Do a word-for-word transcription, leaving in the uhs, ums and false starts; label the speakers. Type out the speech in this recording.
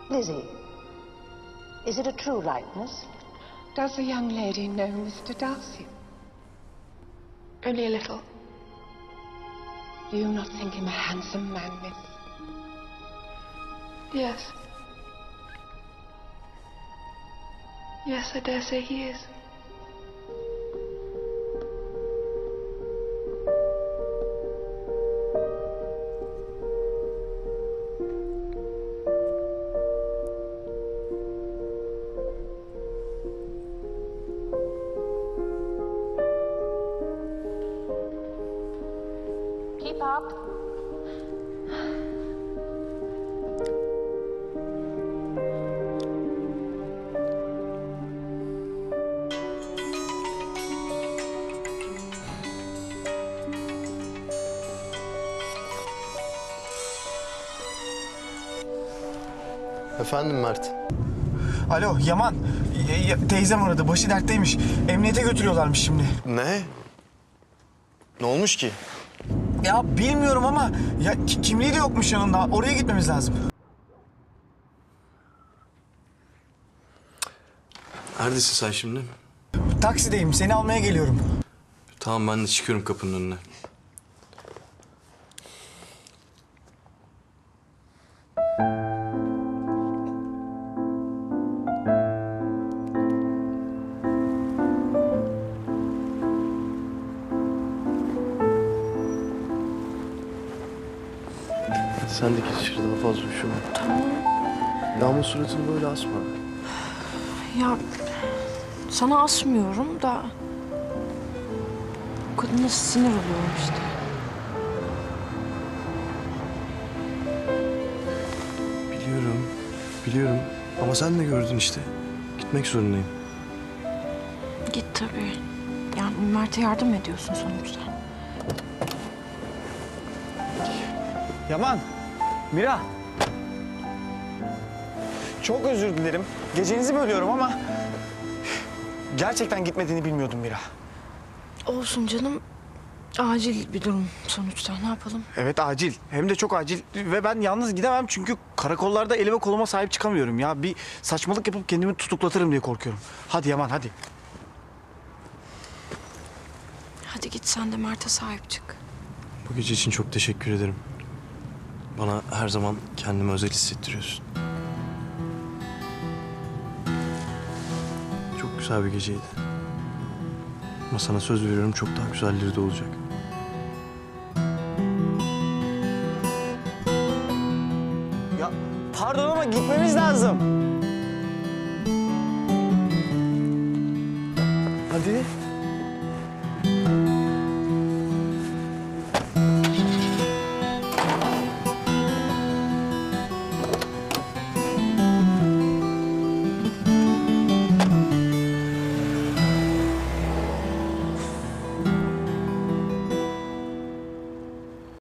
Speaker 1: Lizzie, is it a true likeness?
Speaker 2: Does the young lady know Mister Darcy?
Speaker 3: Only a little.
Speaker 2: Do you not think him a handsome man, miss?
Speaker 3: Yes. Yes, I dare say he is.
Speaker 1: Keep up.
Speaker 4: Efendim Mert.
Speaker 5: Alo Yaman. Y- y- teyzem aradı. Başı dertteymiş. Emniyete götürüyorlarmış şimdi.
Speaker 4: Ne? Ne olmuş ki?
Speaker 5: Ya bilmiyorum ama ya ki- kimliği de yokmuş yanında. Oraya gitmemiz lazım.
Speaker 4: Neredesin sen şimdi?
Speaker 5: Taksideyim. Seni almaya geliyorum.
Speaker 4: Tamam ben de çıkıyorum kapının önüne. Hadi sen de git içeri, daha fazla üşüme.
Speaker 6: Tamam.
Speaker 4: Ya ama suratını böyle asma.
Speaker 6: Ya sana asmıyorum da o kadına sinir oluyorum işte.
Speaker 4: Biliyorum, biliyorum. Ama sen de gördün işte. Gitmek zorundayım.
Speaker 6: Git tabii. Yani Mert'e yardım ediyorsun sonuçta.
Speaker 5: Yaman. Mira. Çok özür dilerim. Gecenizi bölüyorum ama gerçekten gitmediğini bilmiyordum Mira.
Speaker 6: Olsun canım. Acil bir durum sonuçta. Ne yapalım?
Speaker 5: Evet acil. Hem de çok acil. Ve ben yalnız gidemem çünkü karakollarda elime koluma sahip çıkamıyorum ya. Bir saçmalık yapıp kendimi tutuklatırım diye korkuyorum. Hadi Yaman hadi.
Speaker 6: Hadi git sen de Mert'e sahip çık.
Speaker 4: Bu gece için çok teşekkür ederim. Bana her zaman kendimi özel hissettiriyorsun. Çok güzel bir geceydi. Ama sana söz veriyorum çok daha güzelleri de olacak.
Speaker 5: Ya pardon ama gitmemiz lazım.
Speaker 4: Hadi.